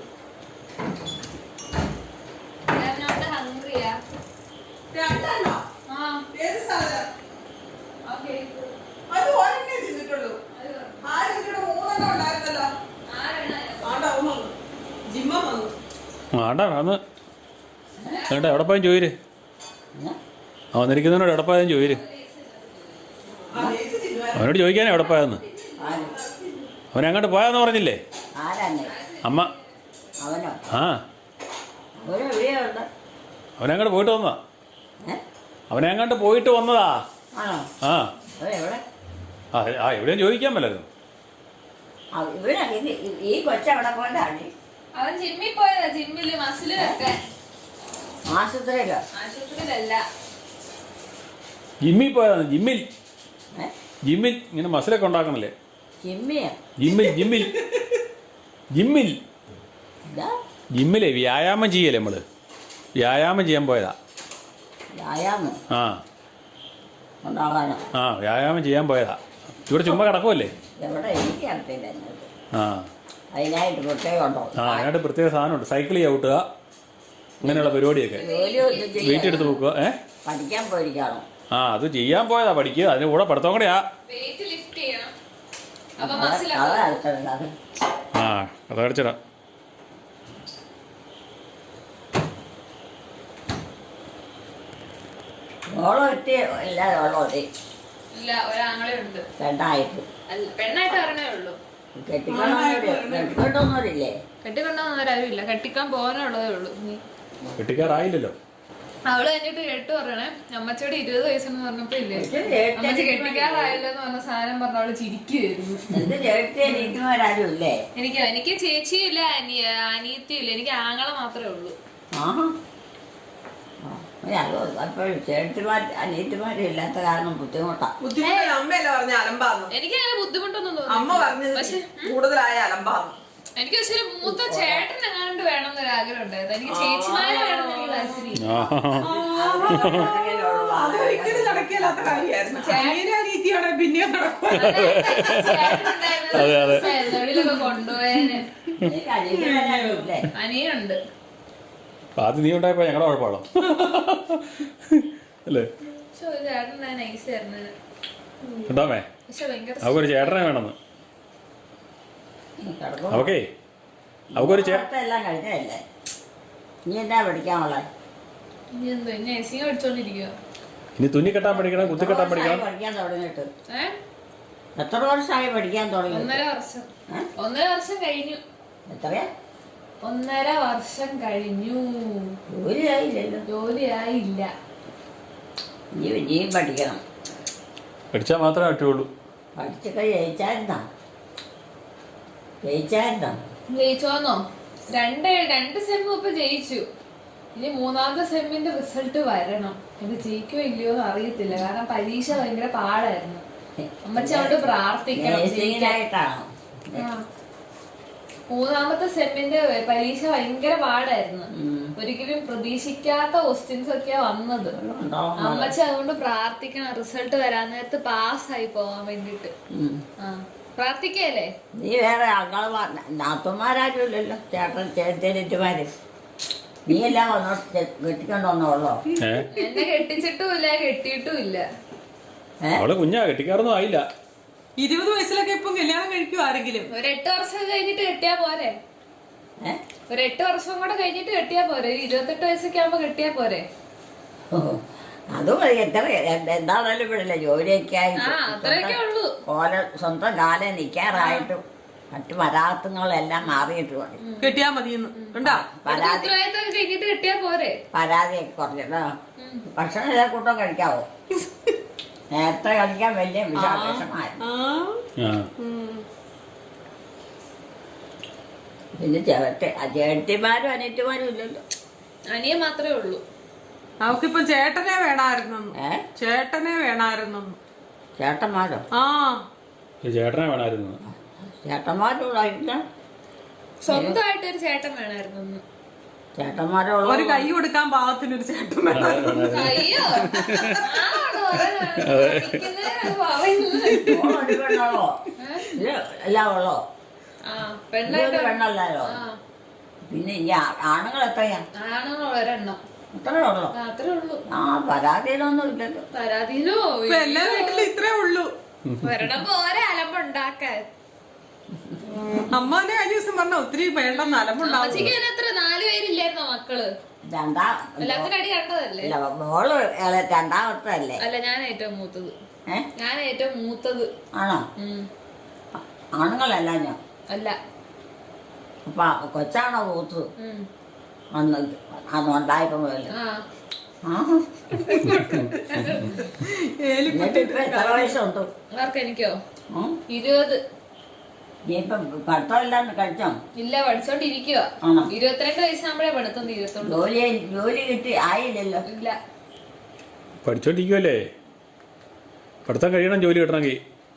ഞാൻ ഹംഗ്രിയാ.
രണ്ടെണ്ണോ?
ആ
ഏത് സാധനം?
ഓക്കെ.
അത് ഒരെണ്ണേ തിന്നിട്ടുള്ളൂ. ആരും ഇവിടെ മൂന്നെണ്ണം ഉണ്ടായിരുന്നല്ലോ. ആണ്ടാ അവൻ വന്നു. ജിമ്മ വന്നു.
ആണ്ടാ അന്ന് വേണ്ട എവിടെ പോയാലും ചോദിര്.
ഏ?
ആ വന്നിരിക്കുന്നവനോട് എവിടെ പോയാലും ചോദിര്.
ആ ലേസ് തിന്നുവായിരുന്നു.
അവനോട് ചോദിക്കാനേ എവിടെ പോയാന്ന്.
ആര്?
അവനങ്ങോട്ട് പോയാന്ന് പറഞ്ഞില്ലേ
ആരാന്നെ?
അമ്മ?
അവനോ?
ആ
അവന് എവിടെയുണ്ട്?
അവനങ്ങോട്ട് പോയിട്ട് വന്നതാ.
ഏ?
അവനങ്ങോട്ട് പോയിട്ട് വന്നതാ.
ആണോ?
ആ
അവൻ എവിടെ?
ആ ആ എവിടെയും ചോദിക്കാൻ പറ്റായിരുന്നു.
ആ, ഇവിടെ ഇത് ഈ കൊച്ചവിടെ പോയിട്ടാണ്.
അവൻ ജിമ്മിൽ പോയതാ. ജിമ്മില് മസില് വെക്കാൻ.
ആശുപത്രിയിലോ?
ആശുപത്രിയിലല്ല.
ജിമ്മിൽ പോയതാണ്. ജിമ്മിൽ
ഏ?
ജിമ്മിൽ ഇങ്ങനെ മസിലൊക്കെ ഉണ്ടാക്കണല്ലേ.
ചിമ്മിയോ?
ജിമ്മിൽ ജിമ്മിൽ ജിമ്മിൽ
ഇതാ
ജിമ്മിലെ വ്യായാമം ചെയ്യല്ലേ നമ്മള്. വ്യായാമം ചെയ്യാൻ പോയതാ.
വ്യായാമം
ആ
ഉണ്ടാകാനോ?
ആ വ്യായാമം ചെയ്യാൻ പോയതാ. ഇവിടെ ചുമ്മാ കിടക്കുമല്ലേ.
എവിടെ? എനിക്ക് അറിയത്തില്ല എന്നത്.
ആ
അതിനായിട്ട് പ്രത്യേകം ഉണ്ടോ?
ആ അതിനായിട്ട് പ്രത്യേക സാധനമുണ്ട്. സൈക്കിൾ ചവിട്ടുക, അങ്ങനെയുള്ള പരിപാടിയൊക്കെ.
ജോലി ഒന്നും
വെയിറ്റ്
ചെയ്യാൻ
എടുത്ത് വെക്കുക. ഏ
പഠിക്കാൻ പോയിരിക്കാണോ?
ആ അത് ചെയ്യാൻ പോയതാ. പഠിക്കുക, അതിന് കൂടെ പഠിത്തം കൂടെയാ.
വെയിറ്റ് ലിഫ്റ്റ് ചെയ്യണം. അപ്പൊ
അത്
മസിലൊക്കെ
അത് അടച്ചിടണ്ട അത്
ആ അത് അടച്ചിടാം.
ഓളം എത്തി ഇല്ലാതെ ഉള്ളോ
ഇല്ല, ഒരാങ്ങളെ ഉണ്ട്.
രണ്ടായിട്ട്
അല്ല, പെണ്ണായിട്ട് പറഞ്ഞേ ഉള്ളൂ.
കെട്ടിക്കൊണ്ടൊന്നുമില്ലേ?
കെട്ടിക്കൊണ്ടൊന്നും ഇല്ല, കെട്ടിക്കാൻ പോകാനുള്ളതേ ഉള്ളൂ. നീ
കെട്ടിക്കാറായില്ലല്ലോ.
അവള് കഴിഞ്ഞിട്ട് കേട്ടു പറയണേ, അമ്മച്ചോട് ഇരുപത് വയസ്സെന്ന് പറഞ്ഞപ്പോ ഇല്ലേ അമ്മച്ചി കെട്ടിക്കാറായല്ലോ എന്ന് പറഞ്ഞ സാധനം പറഞ്ഞ അവള് ചിരിക്കുവായിരുന്നു.
എന്ത് ചേട്ടത്തി അനിയത്തിമാരും ഇല്ലേ?
എനിക്ക് എനിക്ക് ചേച്ചിയും ഇല്ല, അനിയ അനിയത്തിയും ഇല്ല, എനിക്ക് ആങ്ങളെ മാത്രമേ ഉള്ളൂ.
ആഹാ അപ്പോഴും ചേട്ടത്തിമാർ അനിയത്തിമാരും ഇല്ലാത്ത കാരണം ബുദ്ധിമുട്ടാ.
ബുദ്ധിമുട്ട് അമ്മയല്ല പറഞ്ഞ അലമ്പാന്ന്.
എനിക്ക് അങ്ങനെ ബുദ്ധിമുട്ടൊന്നും
അമ്മ
തോന്നുന്നു.
പറഞ്ഞത്
പക്ഷെ
കൂടുതലായ അലമ്പാന്ന്.
എനിക്ക് പക്ഷേ മൂത്ത ചേട്ടൻ എങ്ങാണ്ട് വേണം എന്നൊരു ആഗ്രഹം ഉണ്ടായിരുന്നു. എനിക്ക് ചേച്ചിമാരെ വേണം എന്ന് എനിക്ക് താല്പര്യം.
അതൊരിക്കലും നടക്കില്ലാത്ത കാര്യമായിരുന്നു. ചേട്ടനെ അനിയത്തിയോടെ പിന്നെ നടക്കും.
എവിടെയൊക്കെ കൊണ്ടുപോയേനെ. അനിയുണ്ട്.
ആദ്യം നീ ഉണ്ടായപ്പോ ഞങ്ങളുടെ കുഴപ്പമാണോ അല്ലേ?
പക്ഷെ ഒരു ചേട്ടൻ നൈസ് ആയിരുന്നു.
ഉണ്ടാമേ
പക്ഷെ ഭയങ്കര
അവക്കൊരു ചേട്ടനെ വേണമെന്ന്. അവക്കേ അവക്കൊരു
എല്ലാം കഴിഞ്ഞല്ലേ? നീ എന്നാ പഠിക്കാനുള്ള?
ഇനി എന്തോ നഴ്സിംഗ് പഠിച്ചോണ്ടിരിക്കുക.
ഇനി തുന്നി കെട്ടാൻ പഠിക്കണം, കുത്തി കെട്ടാൻ പഠിക്കണം.
പഠിക്കാൻ തുടങ്ങിയിട്ട്
ഏഹ്
എത്ര വർഷമായി പഠിക്കാൻ തുടങ്ങി?
ഒന്നര വർഷം. ഒന്നര വർഷം കഴിഞ്ഞു.
എത്രയാ?
ഒന്നര വർഷം കഴിഞ്ഞു.
ജോലിയായില്ലല്ലോ.
ജോലിയായില്ല.
നീ ഇനിയും പഠിക്കണം.
പഠിച്ചാൽ മാത്രമേ പറ്റുള്ളൂ.
പഠിച്ചൊക്കെ ജയിച്ചായിരുന്നോ? ജയിച്ചായിരുന്നോ?
ജയിച്ചോന്നോ? രണ്ട് രണ്ട് സെമ്മും ഇപ്പൊ ജയിച്ചു. ഇനി മൂന്നാമത്തെ സെമ്മിന്റെ റിസൾട്ട് വരണം. ഇത് ജയിക്കോ ഇല്ലയോ എന്ന് അറിയത്തില്ല. കാരണം പരീക്ഷ ഭയങ്കര പാടായിരുന്നു. അമ്മച്ചി അവിടെ പ്രാർത്ഥിക്കണം.
നേഴ്സിംഗിനായിട്ടാണോ?
മൂന്നാമത്തെ സെമ്മിന്റെ പരീക്ഷ ഭയങ്കര പാടായിരുന്നു. ഒരിക്കലും പ്രതീക്ഷിക്കാത്ത ക്വസ്റ്റ്യൻസ് ഒക്കെയാ വന്നത്. അമ്മച്ചി അതുകൊണ്ട് പ്രാർത്ഥിക്കണം റിസൾട്ട് വരാൻ നേരത്ത് പാസ്സായി പോവാൻ വേണ്ടിട്ട്. ആ പ്രാർത്ഥിക്കല്ലേ?
നീ വേറെ ആൾക്കാർ നാത്തുമാരും ഇല്ലല്ലോ. ചേട്ടൻ ചേട്ടേറ്റുമാര് നീ എല്ലാം വന്നോ കെട്ടിക്കൊണ്ടോന്നോളോ?
എന്നെ കെട്ടിച്ചിട്ടും ഇല്ല, കെട്ടിയിട്ടും ഇല്ല.
അവള് കുഞ്ഞാ, കെട്ടിക്കാറൊന്നും ആയില്ല.
ഇരുപത് വയസ്സിലൊക്കെ ഇപ്പം കല്യാണം കഴിക്കും ആരെങ്കിലും.
ഒരു എട്ട് വർഷം കഴിഞ്ഞിട്ട് കെട്ടിയാ പോരെ? ഒരു എട്ട് വർഷം കൂടെ കഴിഞ്ഞിട്ട് കെട്ടിയാ പോരെ? ഇരുപത്തെട്ട് വയസ്സൊക്കെ ആവുമ്പോ കെട്ടിയാ പോരെ?
അതും എത്ര എന്താണേലും ഇവിടില്ല ജോലിയൊക്കെ ആയിട്ട് ഓല സ്വന്തം കാലം നിൽക്കാറായിട്ടും മറ്റു പരാർത്ഥങ്ങളെല്ലാം മാറിയിട്ട് മതി.
കെട്ടിയാ മതിയെന്ന്
പരാതി
കഴിഞ്ഞിട്ട് കെട്ടിയാ പോരെ?
പരാതിയൊക്കെ കുറഞ്ഞിട്ടോ. ഭക്ഷണം എല്ലാ കൂട്ടം കഴിക്കാവോ? നേരത്തെ കഴിക്കാൻ വലിയ വിഷമായിരുന്നു. പിന്നെ ചേട്ട ചേട്ടിമാരും അനിയത്തിമാരും ഇല്ലല്ലോ.
അനിയൻ മാത്രമേ ഉള്ളൂ.
അവക്കിപ്പം ചേട്ടനെ വേണമായിരുന്നു. ചേട്ടനെ വേണമായിരുന്നു.
ചേട്ടന്മാരോ?
ആ
ചേട്ടനെ വേണമായിരുന്നു.
ചേട്ടന്മാരുള്ള
സ്വന്തമായിട്ട് ഒരു ചേട്ടൻ വേണമായിരുന്നു.
ചേട്ടന്മാരുള്ള
ഒരു കൈ കൊടുക്കാൻ പാകത്തിനൊരു ചേട്ടൻ വേണമായിരുന്നു.
അയ്യോ
പെണ്ണുള്ളോ? എല്ലാം ഉള്ളോ? പെണ്ണല്ലോ. പിന്നെ ഈ ആണുങ്ങൾ എത്രയാ?
ആണുങ്ങൾ ഒരെണ്ണം.
അത്രേ ഉള്ളു.
അത്രേ ഉള്ളൂ.
ആ പരാതിയിലൊന്നും ഇല്ലല്ലോ.
പരാതിയിലോ
എല്ലാ വീട്ടിലും ഇത്രേ ഉള്ളൂ.
ഒരെണ്ണം പോരെ അലമ്പുണ്ടാക്കാൻ.
അമ്മാനെ കഴിഞ്ഞ ദിവസം പറഞ്ഞ ഒത്തിരി വേണ്ടെന്ന് അലമ്പുണ്ടാവും.
എത്ര നാല് പേരില്ലായിരുന്നോ മക്കള്?
രണ്ടാം
എല്ലാത്തിനും അടി കണ്ടതല്ലേ?
മോള് രണ്ടാമത്തെ അല്ലേ?
അല്ല ഞാൻ ഏറ്റവും മൂത്തത്.
ഏ
ഞാൻ ഏറ്റവും മൂത്തത്.
ആണോ? ആണുങ്ങളല്ല ഞാൻ.
അല്ല.
അപ്പൊ കൊച്ചാണോ മൂത്തത്? അന്ന് അന്ന് ഉണ്ടായിരുന്നല്ലോ. എത്ര വയസ്സുണ്ട്?
ആർക്ക്? എനിക്കോ? ഇരുപത്.
നീ ഇപ്പം പഠിത്തമില്ലാന്ന് കഴിച്ചോ?
ഇല്ല, പഠിച്ചോണ്ടിരിക്കുക. ഇരുപത്തിരണ്ട് വയസ്സാകുമ്പോഴേ പഠിത്തം തീരത്തുള്ളൂ.
ജോലി ജോലി കിട്ടി ആയില്ലല്ലോ.
ഇല്ല,
പഠിച്ചോണ്ടിരിക്കുവല്ലേ. പഠിത്തം കഴിയണം ജോലി കിട്ടണമെങ്കിൽ.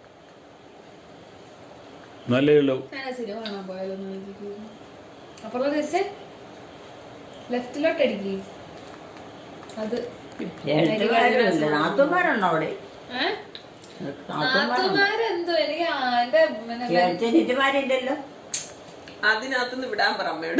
നല്ലേ ഉള്ളൂ.
സിനിമ കാണാൻ പോയാലോ? അപ്പുറം തിരിച്ച് ലെഫ്റ്റിലോട്ട് അടിക്കേ. അത്
നാത്തുമാരുണ്ടോ അവിടെ?
നാത്തുമാരെന്തോ എനിക്ക്
ചേച്ചിമാരില്ലല്ലോ.
അതിനകത്തുനിന്ന് വിടാൻ പറ അമ്മയോട്.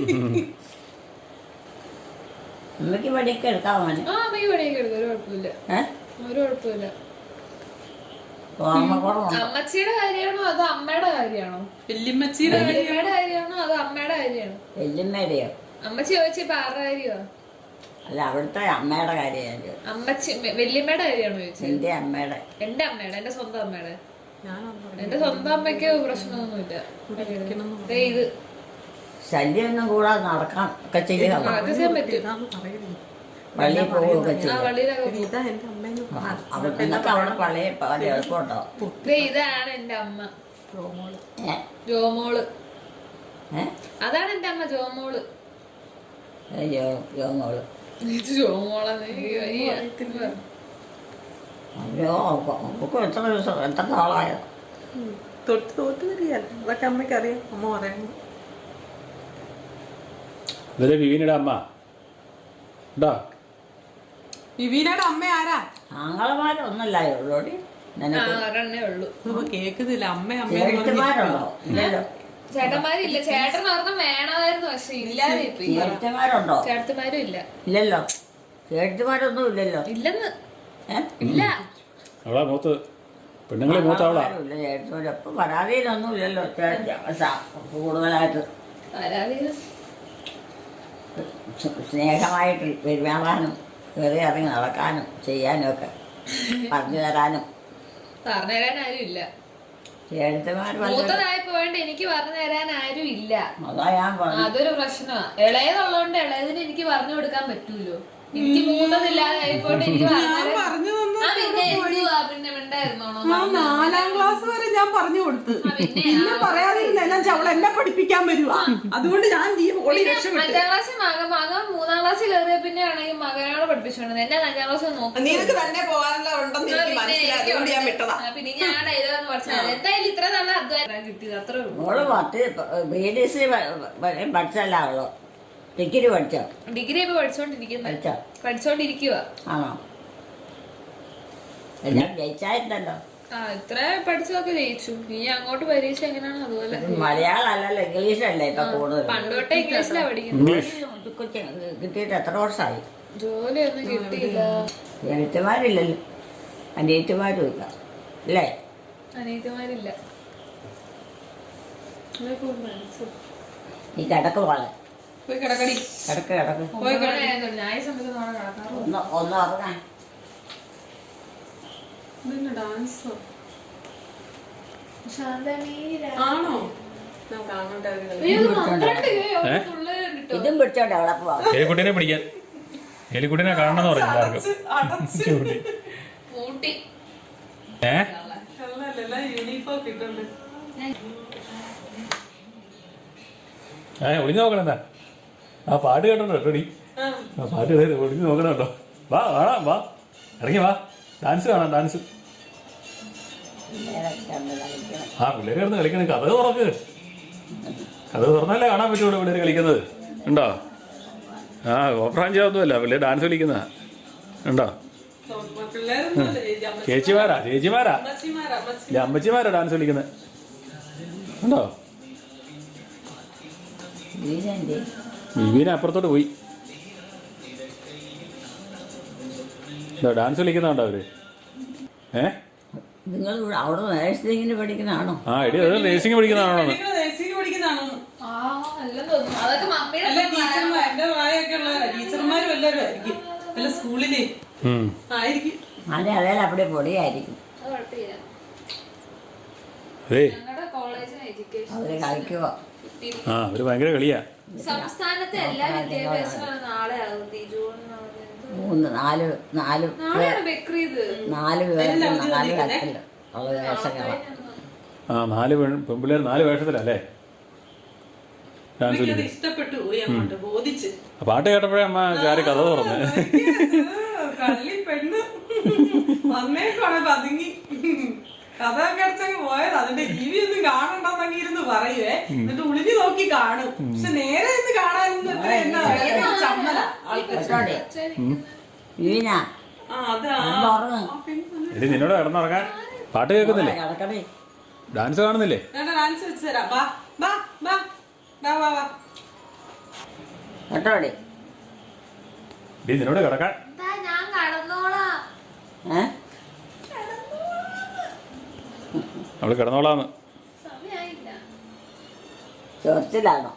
അമ്മയ്ക്ക് പണിയൊക്കെ എടുക്കാമോ?
ആ അമ്മയ്ക്ക് പണിയൊക്കെ എടുക്കും. ഒരു കുഴപ്പമില്ല. ഒരു കുഴപ്പമില്ല.
ഓർമ്മക്കുറവുണ്ട്.
അമ്മച്ചിയുടെ കാര്യമാണോ അതോ അമ്മയുടെ കാര്യമാണോ?
വല്യമ്മച്ചിയുടെ
വല്യമ്മയുടെ കാര്യമാണോ അതോ അമ്മയുടെ കാര്യമാണോ?
വല്യമ്മയുടെയോ?
അമ്മച്ചി ചോദിച്ചപ്പോ ആരുടെ കാര്യമാ?
അല്ല, അവിടുത്തെ അമ്മയുടെ കാര്യമാണ്.
അമ്മച്ചി വല്യമ്മയുടെ കാര്യമാണോ ചോദിച്ചത്?
എന്റെ അമ്മയുടെ.
എന്റെ അമ്മയുടെ, എന്റെ സ്വന്തം അമ്മയുടെ. എന്റെ സ്വന്തം അമ്മയ്ക്ക് പ്രശ്നമൊന്നുമില്ല. ദേ ഇത്
ശല്യമൊന്നും കൂടാതെ നടക്കാൻ ഒക്കെ ചെയ്യുക.
അത് ചെയ്യാൻ പറ്റും.
പള്ളിയിൽ പോവുകയൊക്കെ
ആ
ചെയ്യും.
പള്ളിയിലൊക്കെ
ഇതാ എന്റെ അമ്മേന്ന്
അവിടെ നിന്നൊക്കെ അവിടെ പള്ളിയിൽ പോകാൻ എളുപ്പമുണ്ടോ?
ദേ ഇതാണ് എന്റെ അമ്മ
ഏ
ജോമോള്.
ഏ
അതാണ് എന്റെ അമ്മ ജോമോള്.
അയ്യോ യോങ്ങോള്.
ഇത് ജോമോളാന്ന് എനിക്ക് വയ്യ.
അയ്യോ ഒക്കെ എത്ര ദിവസം എത്ര നാളായോ?
തൊട്ട് തോറ്റ് വരികയല്ല, അതൊക്കെ അമ്മയ്ക്ക് അറിയാം. അമ്മ പറയുന്നു
ഇതല്ലേ വിവീനയുടെ അമ്മ കേട്ടോ.
വിവീനയുടെ അമ്മ ആരാ?
ആങ്ങളമാരൊന്നല്ല ഉള്ളോടി.
ആ ഒരെണ്ണേ ഉള്ളൂ.
ഇപ്പൊ കേക്കുന്നില്ല. അമ്മ അമ്മ
ചേട്ടന്മാരുണ്ടോ? ഇല്ലല്ലോ.
ചേട്ടന്മാരില്ല. ചേട്ടൻ ഒരെണ്ണം വേണമായിരുന്നു, പക്ഷെ ഇല്ലാതെ ഇപ്പൊ ഇല്ല.
ചേട്ടന്മാരുണ്ടോ?
ചേട്ടന്മാരും ഇല്ല.
ഇല്ലല്ലോ. ചേട്ടന്മാരൊന്നും ഇല്ലല്ലോ.
ഇല്ലെന്ന്
ഏ?
ഇല്ല.
അവളാ മൂത്ത് പെണ്ണുങ്ങളെ മൂത്ത അവളാ.
ആങ്ങളമാരും ഇല്ല, ചേട്ടന്മാരും. അപ്പൊ പരാതിയിലൊന്നും ഇല്ലല്ലോ. ചേട്ടൻ സ- കൂടുതലായിട്ട്
പരാതി
സ്നേഹമായിട്ട് പെരുമാറാനും കയറി ഇറങ്ങി നടക്കാനും ചെയ്യാനും ഒക്കെ പറഞ്ഞു തരാനും
പറഞ്ഞു തരാൻ ആരും ഇല്ല.
ചേട്ടന്മാർ വല്ല
മൂത്തതായപ്പോ വേണ്ട എനിക്ക് പറഞ്ഞു തരാൻ ആരും ഇല്ല.
അതാ ഞാൻ പറഞ്ഞു.
അതൊരു പ്രശ്നമാ. ഇളയതുള്ളതുകൊണ്ട് ഇളയതിന് എനിക്ക് പറഞ്ഞു കൊടുക്കാൻ പറ്റൂലോ. എനിക്ക് മൂത്തതില്ലാതെ ആയിപ്പോട്ട് എനിക്ക് പറഞ്ഞു
പറഞ്ഞു തന്നു.
ആ പിന്നെ എന്തുവാ പിന്നെ മിണ്ടായിരുന്നോണോ?
ആ നാലാം ക്ലാസ് വരെ ഞാൻ പറഞ്ഞു കൊടുത്ത്.
പിന്നെ
പിന്നെ പറയാതിരുന്ന എല്ലാം അവൾ എന്നെ പഠിപ്പിക്കാൻ വരുവാ. അതുകൊണ്ട് ഞാൻ ഈ ഓടി രക്ഷപ്പെട്ടു.
അഞ്ചാം ക്ലാസ്സിൽ മകൻ മകൻ മൂന്നാം ക്ലാസ്സിൽ കയറിയ പിന്നെ ആണെങ്കിൽ മകനോട് പഠിപ്പിച്ചോണ്ടത്. എന്നെ അഞ്ചാം ക്ലാസ്സിൽ നോക്കും.
നിനക്ക് തന്നെ പോകാനുള്ള ഉണ്ടെന്ന് എനിക്ക് മനസ്സിലായി. അതുകൊണ്ട് ഞാൻ വിട്ടതാ.
പിന്നെ ഞാൻ ഡയലോഗ് പഠിച്ചത് എന്തായാലും ഇത്ര നല്ല അധ്വാനം കിട്ടിയത് അത്രേ ഉള്ളൂ.
മോള് പത്ത് ബി ഡി സി പഠിച്ചല്ല അവളോ? ഡിഗ്രി പഠിച്ചോ?
ഡിഗ്രി ഇപ്പൊ പഠിച്ചോണ്ടിരിക്കുന്നത്.
പഠിച്ചോ?
പഠിച്ചോണ്ടിരിക്കുക.
ആണോ? എല്ലാം ജയിച്ചായിരുന്നല്ലോ.
ആ ഇത്ര പഠിച്ചതൊക്കെ ജയിച്ചു. ഇനി അങ്ങോട്ട് പരീക്ഷ എങ്ങനെയാണ് അതുപോലെ.
മലയാളം അല്ലല്ലോ, ഇംഗ്ലീഷ് അല്ലേ ഇപ്പൊ കൂടുതൽ.
പണ്ട് തൊട്ടേ ഇംഗ്ലീഷിലാ പഠിക്കുന്നത്.
കിട്ടിയിട്ട് എത്ര വർഷമായി?
ജോലിയൊന്നും കിട്ടിയില്ല.
എഴുത്തുമാരില്ലല്ലോ, അനിയത്തുമാരും ഇല്ല അല്ലേ?
അനിയത്തിമാരില്ല.
നീ കിടക്ക് പോലെ
പോയി കിടക്കടി.
കിടക്ക് കിടക്ക്
പോയി കിട.
ഞായ സമയത്ത് നാളെ കിടക്കാറുള്ളൂ.
ഒന്ന് ഒന്ന് ഉറങ്ങാൻ.
ഇതെന്നാ ഡാൻസോ?
ശാന്തമീര.
ആണോ? നമുക്ക് അങ്ങോട്ട് ഇറങ്ങി കളി.
അയ്യോ, ഇത് മാത്രണ്ട്. ഒരു തുള്ളല് കണ്ടിട്ടോ.
ഇതും പിടിച്ചോണ്ട് അവിടെ പോവാം.
എലിക്കുട്ടീനെ പിടിക്കാൻ. എലിക്കുട്ടീനെ കാണണമെന്ന് പറഞ്ഞു എല്ലാവർക്കും.
അടച്ച്
പൂട്ടി.
ഏ
അല്ലല്ല, യൂണിഫോം കിട്ടുന്നുണ്ട്.
ഏ ഒളിഞ്ഞു നോക്കണം എന്താ? ആ പാട്ട് കേട്ടോ കേട്ടോടി. ആ പാട്ട് കേട്ട് ഒളിഞ്ഞു നോക്കണം കേട്ടോ. വാ കാണാം, വാ ഇറങ്ങി വാ. ഡാൻസ് കാണാം, ഡാൻസ്. ആ പിള്ളേർ കിടന്ന് കളിക്കണേ. കഥ തുറക്ക്. കഥ തുറന്നല്ലേ കാണാൻ പറ്റുള്ളൂ പിള്ളേർ കളിക്കുന്നത്. ഉണ്ടോ? ആ ഓപ്പറാഞ്ചൊന്നുമല്ല, പിള്ളേർ ഡാൻസ് കളിക്കുന്ന ഉണ്ടോ?
പിള്ളേരൊന്നുമല്ല, ചേച്ചി, അമ്മച്ചി.
ചേച്ചിമാരാ ചേച്ചിമാരാ
അമ്മച്ചിമാരാ, അമ്മച്ചി.
ഇല്ല അമ്മച്ചിമാരാ ഡാൻസ് കളിക്കുന്നത് ഉണ്ടോ? വിവീനെ അപ്പുറത്തോട്ട് പോയി. ഡാൻസ് കളിക്കുന്നുണ്ടോ അവര്? ഏ
നിങ്ങൾ അവിടെ നേഴ്സിംഗിന് പഠിക്കുന്നതാണോ?
ആ എടി അത് നേഴ്സിംഗ് പഠിക്കുന്നതാണോ?
നിങ്ങൾ നഴ്സിംഗ് പഠിക്കുന്നതാണോ?
ആ അല്ലെന്ന് തോന്നുന്നു. അതൊക്കെ മമ്മിയുടെ
അല്ല, ടീച്ചർമാർ, എന്റെ പ്രായമൊക്കെ ഉള്ള ടീച്ചർമാരും എല്ലാവരും ആയിരിക്കും. അല്ല സ്കൂളിലെ ആയിരിക്കും.
അതെ അതേ അവിടെ പൊടിയായിരിക്കും.
അത് കുഴപ്പമില്ല.
അതേ
ഞങ്ങളുടെ കോളേജിന് എഡ്യൂക്കേഷൻ
അവര് കളിക്കുവോ?
ആ അവര് ഭയങ്കര കളിയാ.
സംസ്ഥാനത്തെ എല്ലാ വിദ്യാഭ്യാസങ്ങളും നാളെ ആകും. ജൂൺ
മൂന്ന് നാല് നാല്
നാളെയാണ് ബക്രീദ്.
നാല് പേർക്ക് നാല് തരത്തില് ഉള്ള വേഷങ്ങളാണ്.
ആ നാല് പെൺ പെൺപിള്ളേർ നാല് വേഷത്തിലല്ലേ ഡാൻസ്
എനിക്കത്
കളിക്കുന്നത്.
ഇഷ്ടപ്പെട്ടു പോയി. അങ്ങോട്ട് ബോധിച്ച്
ആ പാട്ട് കേട്ടപ്പോഴേ അമ്മ ചാരി കഥ തുറന്ന്.
കള്ളി പെണ്ണ് വന്നേക്കാണ് പതുങ്ങി കഥ കടച്ചങ്ങ് പോയത്. അതിന്റെ ടിവി ഒന്നും കാണണ്ടെന്നങ്ങി ഇരുന്ന് പറയുവേ. എന്നിട്ട് ഒളിഞ്ഞു നോക്കി കാണും. പക്ഷെ നേരെ ഇന്ന് കാണാനൊന്നും എത്ര എന്നാ ചമ്മല ആൾക്കാർ.
വീണ
ആ അതാ
ഉറങ്ങ്.
എടി നിന്നോട് കിടന്നുറങ്ങാൻ. പാട്ട് കേൾക്കുന്നില്ലേ?
കിടക്കണേ.
ഡാൻസ് കാണുന്നില്ലേ?
ഞാൻ ഡാൻസ് വെച്ച് തരാം. വാ വാ വാ വാ വാ വാ
കേട്ടോടി.
എടി നിന്നോട് കിടക്കാൻ.
ഞാൻ കടന്നോളാം.
ഏ
അവള് കിടന്നോളാന്ന്.
സമയായില്ല.
ചൊറിച്ചിലാണോ?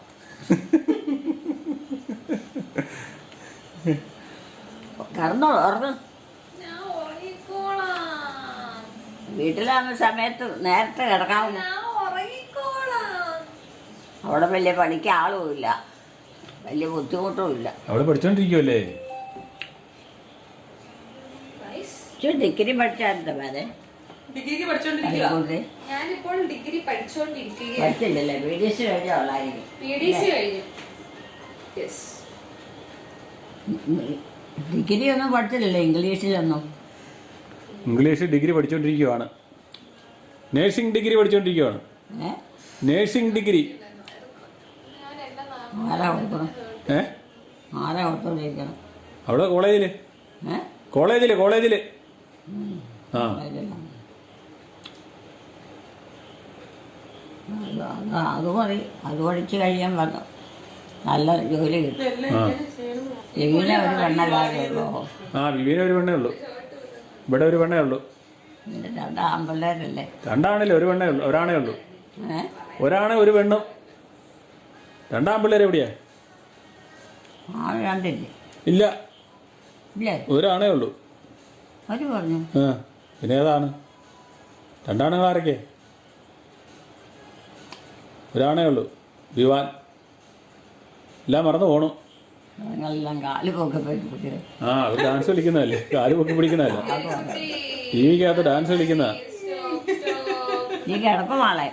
കിടന്നോളൂ, ഉറങ്ങും.
ഞാൻ ഉറങ്ങിക്കോളാം.
വീട്ടിലാകുന്ന സമയത്ത് നേരത്തെ കിടക്കാവുന്നു.
ഞാൻ ഉറങ്ങിക്കോളാം.
അവിടെ വലിയ പണിക്ക് ആളുമില്ല, വലിയ ബുദ്ധിമുട്ടും ഇല്ല.
അവള് പഠിച്ചോണ്ടിരിക്കുവല്ലേ?
Guys,
ഇച്ചിരി ഡിഗ്രി പഠിച്ചായിരുന്നു മേലെ.
ഡിഗ്രിക്ക് പഠിച്ചോണ്ടിരിക്കുക.
അതുകൊണ്ട്
ഞാനിപ്പോൾ ഡിഗ്രി പഠിച്ചുകൊണ്ടിരിക്കുകയാണ്.
പഠിച്ചില്ലല്ലേ, ബി ഡി എസ് കഴിഞ്ഞുള്ളായിരിക്കും.
പി ഡി സി കഴിഞ്ഞു. യെസ്.
ഡിഗ്രി ഒന്നും പഠിച്ചില്ലല്ലോ, ഇംഗ്ലീഷിലൊന്നും.
ഇംഗ്ലീഷ് ഡിഗ്രി പഠിച്ചോണ്ടിരിക്കുവാണ്. നേഴ്സിംഗ് ഡിഗ്രി പഠിച്ചോണ്ടിരിക്കുവാണ്.
ഏ
നേഴ്സിംഗ് ഡിഗ്രി.
ഞാൻ എന്റെ
ആരാ കൊടുക്കണം?
ഏ
ആരാ കൊടുത്തോണ്ടിരിക്കണം?
അവിടെ കോളേജില്
ഏ
കോളേജില് കോളേജില് ആ
അത് അത് അത് മതി. അത് പഠിച്ച് കഴിയാൻ വന്നു നല്ല ജോലി കിട്ടും.
ആ
എങ്ങനെ ഒരു പെണ്ണല്ലാതെയുള്ളൂ.
ആ വിവീന ഒരു പെണ്ണേ ഉള്ളൂ. ഇവിടെ ഒരു പെണ്ണേ ഉള്ളൂ.
പിന്നെ രണ്ട് ആൺപിള്ളേരല്ലേ?
രണ്ടാണില്ല, ഒരു പെണ്ണേ ഉള്ളൂ, ഒരാണേ ഉള്ളൂ.
ഏ
ഒരാണെ ഒരു പെണ്ണും. രണ്ടാം പിള്ളേർ എവിടെയാ?
ആ രണ്ടില്ലേ?
ഇല്ല,
ഇല്ലേ?
ഒരാണേ ഉള്ളൂ.
അവര് പറഞ്ഞു.
ആ പിന്നെ ഏതാണ്? രണ്ടാണുങ്ങൾ ആരൊക്കെ? ഒരാണേ ഉള്ളൂ, വിവാൻ. എല്ലാം മറന്നു പോണു.
നിങ്ങളെല്ലാം കാല് പൊക്കെ പോയി കുട്ടികൾ.
ആ അവർ ഡാൻസ് കളിക്കുന്നതല്ലേ, കാല് പൊക്കി പിടിക്കുന്നതല്ല, ടി വിക്കകത്ത് ഡാൻസ് കളിക്കുന്നതാ.
നീ കിടക്കും ആളെ.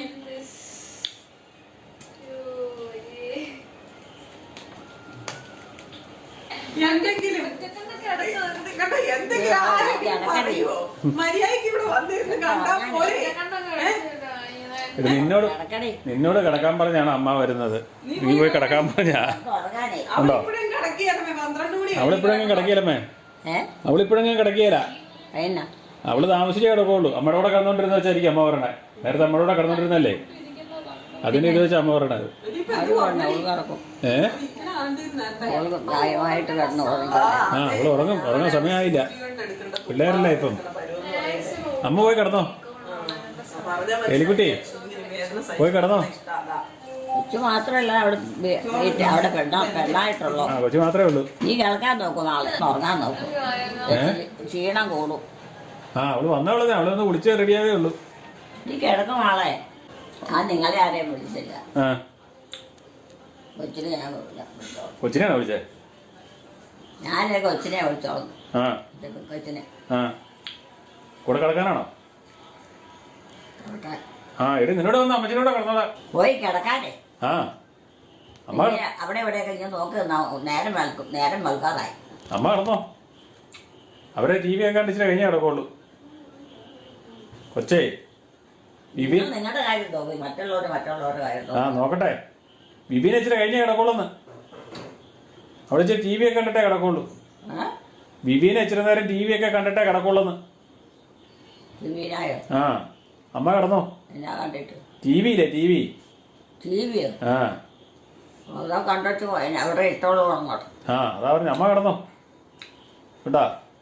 എന്തെങ്കിലും കണ്ടോ, എന്തെങ്കിലും ആരെങ്കിലും പറയുവോ? മര്യാദയ്ക്ക് ഇവിടെ വന്നിരുന്ന് കണ്ടാ പോരെ.
ഇത് നിന്നോട്
കിടക്കണേ.
നിന്നോട് കിടക്കാൻ പറഞ്ഞാണ് അമ്മ വരുന്നത്. നീ പോയി കിടക്കാൻ പറഞ്ഞാ
ഉറങ്ങാനേ.
ഉണ്ടോ?
അവളിപ്പോഴും കിടക്കുകയല്ലേ, പന്ത്രണ്ട് മണി
അവളിപ്പോഴെങ്കിലും കിടക്കിയല്ലമ്മേ,
ഏ
അവളിപ്പോഴെങ്കിലും കിടക്കിയല്ല.
എന്നാ
അവള് താമസിച്ചേ കിടക്കുള്ളൂ. അമ്മയുടെ കൂടെ കിടന്നോണ്ടിരുന്ന വെച്ചായിരിക്കും അമ്മ പറയണേ. നേരത്തെ അമ്മയുടെ കൂടെ കിടന്നോണ്ടിരുന്നല്ലേ, അതിന് ഇത് വെച്ചാൽ അമ്മ പറയണത്.
അവര് പറഞ്ഞു അവള് കിടക്കും.
ഏ
അവൾക്ക് പ്രായമായിട്ട് കിടന്ന് ഉറങ്ങി.
ആ അവള് ഉറങ്ങും. ഉറങ്ങാൻ സമയമായില്ല, പിള്ളേരല്ലേ ഇപ്പം. അമ്മ പോയി കിടന്നോ, എലിക്കുട്ടി പോയി കിടന്നോ.
കൊച്ചു മാത്രമല്ല അവിടെ വീ- വീട്ടിൽ അവിടെ പെണ്ണ പെണ്ണായിട്ടുള്ളൂ.
ആ കൊച്ചു മാത്രമേ ഉള്ളൂ.
നീ കിടക്കാൻ നോക്കും, നാളെ ഉറങ്ങാൻ നോക്കും. ക്ഷീണം കൂടും.
ആ അവള് വന്നവളെ അവളെ ഒന്ന് വിളിച്ച് റെഡിയാവേ ഉള്ളൂ.
നീ കിടക്കും ആളെ. ഞാൻ നിങ്ങളെ ആരെയും വിളിച്ചില്ല.
ആ
കൊച്ചിനെ ഞാൻ വിളില്ല.
കൊച്ചിനെയാണോ വിളിച്ചേ?
ഞാൻ കൊച്ചിനെ വിളിച്ചോളൂ.
ആ
കൊച്ചിനെ
ആ കൂടെ കിടക്കാനാണോ?
കിടക്കാൻ
ആ എടി നിന്നോട് വന്ന് അമ്മച്ചിനോടെ കിടന്നോളാ.
പോയി കിടക്കാനേ.
ആ അമ്മ
പിന്നെ അവിടെ ഇവിടെയൊക്കെ ഞാൻ നോക്കി നിന്നാ നേരം വെളുക്കും. നേരം വെളുക്കാറായി.
അമ്മ കിടന്നോ. അവരെ ടി വി ഒക്കെ കണ്ടിച്ചിട്ട് കഴിഞ്ഞേ കിടക്കുള്ളൂ. കൊച്ചേ വിവി
നിങ്ങൾ നിങ്ങളുടെ കാര്യം നോക്കി, മറ്റുള്ളവര് മറ്റുള്ളവരുടെ കാര്യം
ആ
നോക്കി.
നോക്കട്ടെ. വിവീനെ ഇച്ചിരി കഴിഞ്ഞേ കിടക്കുള്ളൂന്ന്. അവിടെ ഇച്ചിരി ടി വി ഒക്കെ കണ്ടിട്ടേ കിടക്കുള്ളൂ.
ഏ?
വിവീനെ ഇച്ചിരി നേരം ടി വി ഒക്കെ കണ്ടിട്ടേ കിടക്കുള്ളൂന്ന്.
ടിവിയിലായോ?
ആ അമ്മ കിടന്നോ.
എന്നാ കണ്ടിട്ട്?
ടി വിയില്ലേ, ടി വി.
ടി വിയോ?
ആ
അതോ കണ്ടിട്ട് പോയി അവിടെ ഇട്ടോളൂ അങ്ങോട്ട്.
ആ അതാ പറഞ്ഞു. അമ്മ കിടന്നോ കേട്ടാ.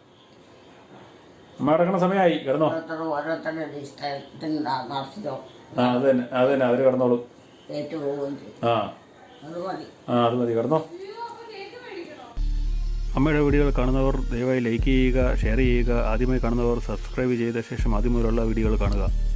അമ്മ കിടക്കണ സമയമായി, കിടന്നോ.
ഓരോരുത്തർ ഓരോരുത്തരുടെ ഇഷ്ടത്തിന് നടത്തിയോ
ആ അത് തന്നെ അത് തന്നെ അവര് കിടന്നോളൂ.
ഏറ്റു പോവുകയും ചെയ്യും.
ആ
അത് മതി.
ആ അത് മതി, കിടന്നോ. അമ്മയുടെ വീഡിയോകൾ കാണുന്നവർ ദയവായി ലൈക്ക് ചെയ്യുക, ഷെയർ ചെയ്യുക. ആദ്യമായി കാണുന്നവർ സബ്സ്ക്രൈബ് ചെയ്ത ശേഷം ആദ്യം മുതലുള്ള വീഡിയോകൾ കാണുക.